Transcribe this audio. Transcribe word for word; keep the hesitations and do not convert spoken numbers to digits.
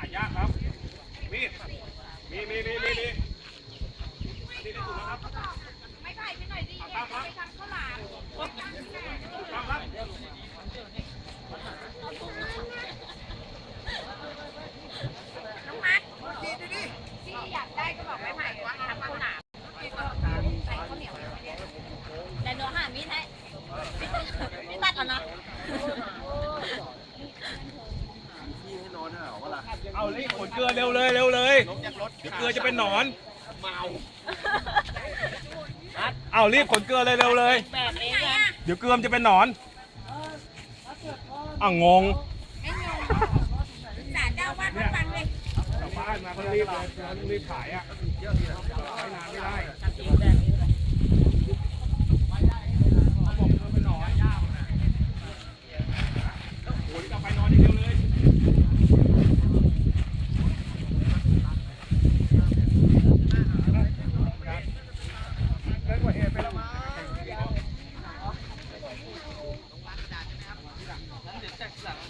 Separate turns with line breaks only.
ยากครับมีดมีมีมีมีมีอันนี้ได้ถูกแล้วครับไม่ไผ่ไปหน่อยดิไปทำข้าวหลามครับครับ
น้องมัดที่อยากได้ก็บอกไม่ไผ่ทำข้าวหลามใส่ข้าวเหนียวแต่หนูหามีดให้ไม่ตัดแล้วนะ
เอารีบขนเกลือเร็วเลยเร็วเลยเดี๋ยวเกลือจะเป็นหนอนเมาเอารีบขนเกลือเลยเร็วเลย
แบบนี้ไง
เดี๋ยวเกลือจะเป็นหนอนอ่ะงง
ไม่งงสารเจ้าวัดมาฟังเลย
ชาวบ้านมาเขารีบเลยรีบขายอ่ะไม่นานไม่ได้โอ้ยจะไปนอนอย่างเดียวเลยเกินกว่าเหตุไปแล้วมั้งเดี๋ยวแตกหลัง